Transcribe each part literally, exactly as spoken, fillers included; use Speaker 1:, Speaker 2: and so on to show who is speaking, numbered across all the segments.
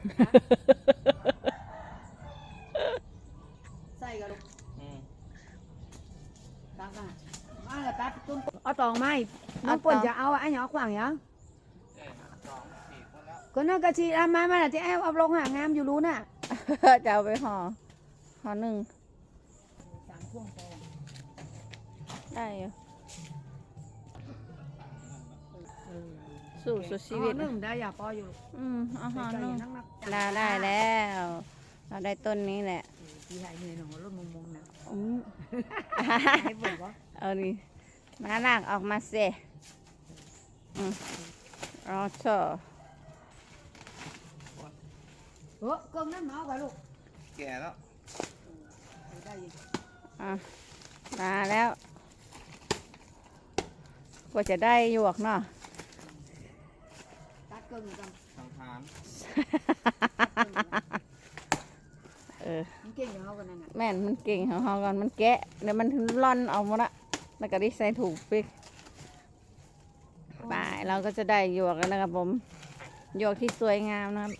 Speaker 1: ใส่กันลูกตักมามาแล้วตัดต้นเอาตองไม้น้องปนจะเอาไอ้หยอกขวางยังก็น่ากระชีอามามาที่แอบเอาลงหางามอยู่รู้น่ะ
Speaker 2: จะเอาไปห่อห่อหนึ่ง
Speaker 1: สามช่วงพอ
Speaker 2: ได้อยู่สู่สุดชีวิต
Speaker 1: หนึ่งได้อย่าปออยู่
Speaker 2: อืมเอาห่อหนึ่งได้ได้แล้วเราได้ต้นนี้แหละ
Speaker 1: พี่หายเหนื่อยหนูรถมงมงนะ
Speaker 2: อืม
Speaker 1: ให้เปิดวะ
Speaker 2: เอาดิมาลากออกมาเสอืมรอเถอะ
Speaker 1: เออเกินนั่นเมาไปลูก
Speaker 3: แก่แล้ว
Speaker 1: ได้ยิน
Speaker 2: อ่ะมาแล้วกว่าจะได้หยวกเนาะ
Speaker 1: ตัดเกินกัน
Speaker 3: ทางทาน
Speaker 2: เออ
Speaker 1: มันเก่งอย่างเขากันนั่นน่ะ
Speaker 2: แม่นมันเก่งของเขาก่อนมันแกะเดี๋ยวมันร่อนเอาหมดละแล้วก็ได้ใส่ถูกปิกไปเราก็จะได้หยวกแล้วนะครับผมหยวกที่สวยงามนะครับ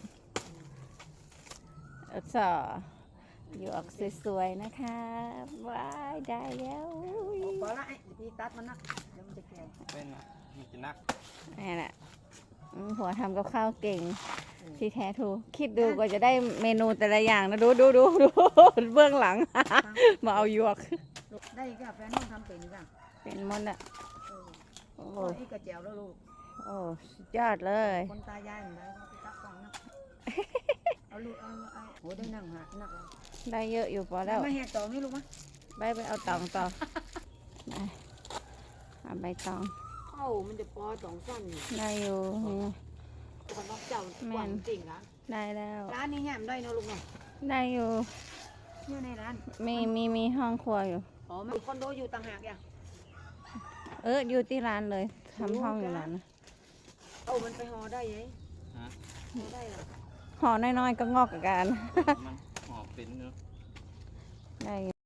Speaker 2: เออสอหยวกสวยๆนะคะว้ายได้แล้ว
Speaker 1: พอละไอ้พี่ตัดมันนักเดี๋ยวมันจะแก่
Speaker 3: เป็นมีจะนัก
Speaker 2: นี่แหละหัวทำกับข้าวเก่งที่แท้ถูกคิดดูกว่าจะได้เมนูแต่ละอย่างนะดูดูดูดูเบื้องหลังมาเอาหยวก
Speaker 1: ได้ก็แฟนน้องทำเป็นจ้ะ
Speaker 2: เป็นมดอ่ะ
Speaker 1: โอ้ยกระเจียวแล้วลูก
Speaker 2: โอ้สุดยอดเลย
Speaker 1: คนตายายเหมือนกันเขาตักฟังนะเอาลูกเอาเอาโหได้นั่งหักนัก
Speaker 2: ได้เยอะอยู่พอแล้ว
Speaker 1: ไม่แหกต่อไม่ลูกมั้ย
Speaker 2: ไปไปเอาตองต่อไปเอาใบตอง
Speaker 1: เอ้ามันจะปอสองสั้น
Speaker 2: ได้อยู่
Speaker 1: คนนอกเจ้าแม่จริงนะ
Speaker 2: ได้แล้ว
Speaker 1: ร้านนี้แง่มได้นะลูกเนาะ
Speaker 2: ได้อยู่
Speaker 1: อยู่ในร้าน
Speaker 2: มีมีมีห้องครัวอยู่
Speaker 1: อ๋อมันคอนโดอยู่ต่างหากยัง
Speaker 2: เอออยู่ที่ร้านเลยทำห้องอยู่ร้าน
Speaker 1: เอามันไปห่อได้ยังห่อได้หรอ
Speaker 2: ห่อน้อยๆก็งอกกับการ
Speaker 3: มันห่อเป็นเนาะ
Speaker 2: ได้